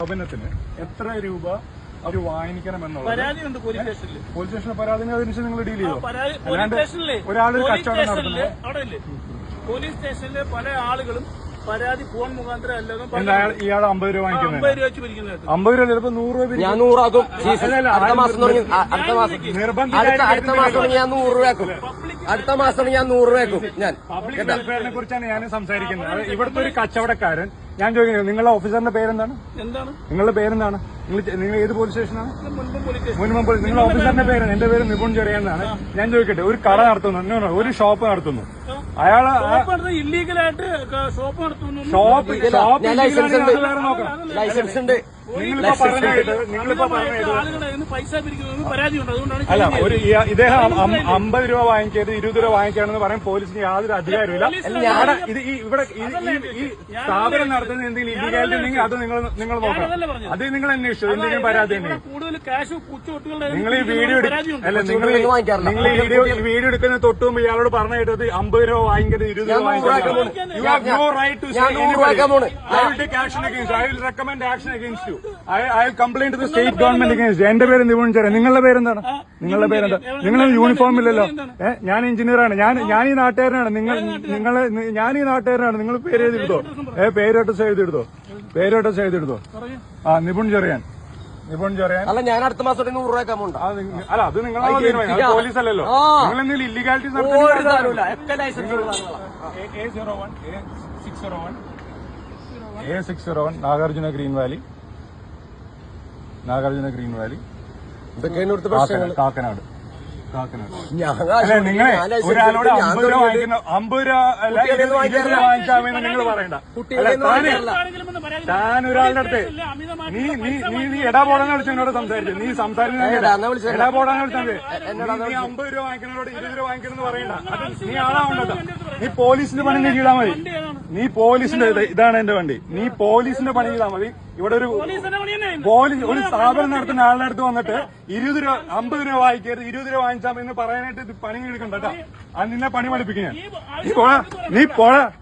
സ്ഥാപനത്തിന് എത്ര രൂപ അവർ വാങ്ങിക്കണമെന്നുള്ളത് പരാതിയുണ്ട് പോലീസ് സ്റ്റേഷനിൽ. പരാതി അതിനുശേഷം നിങ്ങൾ ഡീൽ ചെയ്യോ? അല്ലാണ്ട് ഒരാളൊരു കച്ചവടം നടത്തുന്നത് പോലീസ് സ്റ്റേഷനിലെ പല ആളുകളും പരാതി ഫോൺ മുഖാന്തരം അല്ലാതെ ഇയാൾ 50 രൂപ വാങ്ങിക്കുന്നത് 50 രൂപ വെച്ച് പിരിക്കുന്നത്. 50 രൂപ ചിലപ്പോ 100 രൂപ ഞാൻ 100 ആക്കും. അടുത്ത മാസം തുടങ്ങി അടുത്ത മാസം ഞാൻ 100 രൂപയാക്കും. അടുത്ത മാസം ഞാൻ 100 രൂപയാക്കും. ഞാൻ പബ്ലിക് വെൽഫെയറിനെ കുറിച്ചാണ് ഞാൻ സംസാരിക്കുന്നത്. ഇവിടുത്തെ ഒരു കച്ചവടക്കാരൻ, ഞാൻ ചോദിക്കുന്നത് നിങ്ങളുടെ ഓഫീസറിന്റെ പേരെന്താണ്? നിങ്ങളുടെ പേരെന്താണ്? നിങ്ങൾ ഏത് പോലീസ് സ്റ്റേഷനാണ്? മുൻപം പോലീസ്. നിങ്ങളുടെ ഓഫീസറിന്റെ പേരാണ്? എന്റെ പേര് നിപുൺ ചെറിയാന്നാണ്. ഞാൻ ചോദിക്കട്ടെ, ഒരു കട നടത്തുന്നു, ഒരു ഷോപ്പ് നടത്തുന്നു, അയാള് ഇല്ലീഗലായിട്ട് ഷോപ്പ് നടത്തുന്നു. ഷോപ്പ് ലൈസൻസ് ഉണ്ട്. നിങ്ങളിപ്പോ പറഞ്ഞത് പൈസ പിരിക്കുന്നത് പരാതിയുണ്ട്. അതുകൊണ്ടാണ് അല്ല, ഒരു ഇദ്ദേഹം 50 രൂപ വാങ്ങിക്കരുത് 20 രൂപ വാങ്ങിക്കാണെന്ന് പറയാൻ പോലീസിന് യാതൊരു അധികാരമില്ല. ഇവിടെ ഈ സ്ഥാപനം നടത്തുന്ന എന്തെങ്കിലും ഇല്ലീഗാലിറ്റി ഉണ്ടെങ്കിൽ അത് നിങ്ങൾ നോക്കണം. അത് നിങ്ങൾ അന്വേഷിച്ചു എന്തെങ്കിലും പരാതി ഉണ്ടെങ്കിൽ കൂടുതൽ ക്യാഷ് നിങ്ങൾ ഈ വീഡിയോ അല്ല നിങ്ങൾ ഈ വീഡിയോ എടുക്കുന്ന തൊട്ട് മുമ്പ് ഇയാളോട് പറഞ്ഞു കേട്ടത് 50 രൂപ വാങ്ങിക്കരുത് 20 രൂപ വാങ്ങിക്കരുത്. You have no right to say anybody. I will take action against you. I will recommend action against you. I will complain to the state government against you. എന്റെ പേര് നിപുൺ ചെറിയ. നിങ്ങളുടെ പേരെന്താണ്? നിങ്ങളുടെ പേരെന്താ? നിങ്ങൾ യൂണിഫോം ഇല്ലല്ലോ. ഞാൻ എഞ്ചിനീയറാണ്. ഞാൻ ഈ നാട്ടുകാരനാണ്. ഞാൻ ഈ നാട്ടുകാരനാണ്. നിങ്ങൾ പേര് എഴുതിയെടുത്തോ. പേരോട്ടസ് എഴുതിയെടുത്തോ. നിപുൺ ചെറിയാൻ. അല്ല, ഞാൻ അടുത്ത മാസം 100 രൂപ അമൗണ്ട്. അല്ല, അത് നിങ്ങളെ പോലീസ് അല്ലല്ലോ. നിങ്ങൾ എന്തെങ്കിലും illegalities A601 Nagarjuna green valley Kakkanad. അല്ലെ, നിങ്ങളെ ഒരാളോട് 50 രൂപ വാങ്ങിക്കുന്ന 50 രൂപ അല്ല 20 രൂപ വാങ്ങിക്കാമെന്ന് നിങ്ങൾ പറയണ്ട. താൻ ഒരാളുടെ അടുത്ത് നീ എടാ പോടാന്ന് വിളിച്ച് എന്നോട് സംസാരിച്ചു. നീ സംസാരിക്കുന്നത് എടാ പോടാന്ന് വിളിച്ചാൽ നീ 50 രൂപ വാങ്ങിക്കുന്നതോട് 20 രൂപ വാങ്ങിക്കണമെന്ന് പറയണ്ട. നീ ആളാവണ്ടോ? നീ പോലീസിന്റെ പണി നീ ചെയ്താൽ മതി. നീ പോലീസിന്റെ ഇതാണ് എന്റെ വണ്ടി. നീ പോലീസിന്റെ പണി ചെയ്താൽ മതി. ഇവിടെ ഒരു സ്ഥാപനം നടത്തുന്ന ആളുടെ അടുത്ത് വന്നിട്ട് 20 രൂപ 50 രൂപ വാങ്ങിക്കരുത് 20 രൂപ വാങ്ങിച്ചാൽ എന്ന് പറയാനായിട്ട് പണി എടുക്കണ്ട കേട്ടോ. അത് നിന്നെ പണി പഠിപ്പിക്കുക. നീ പോടാ.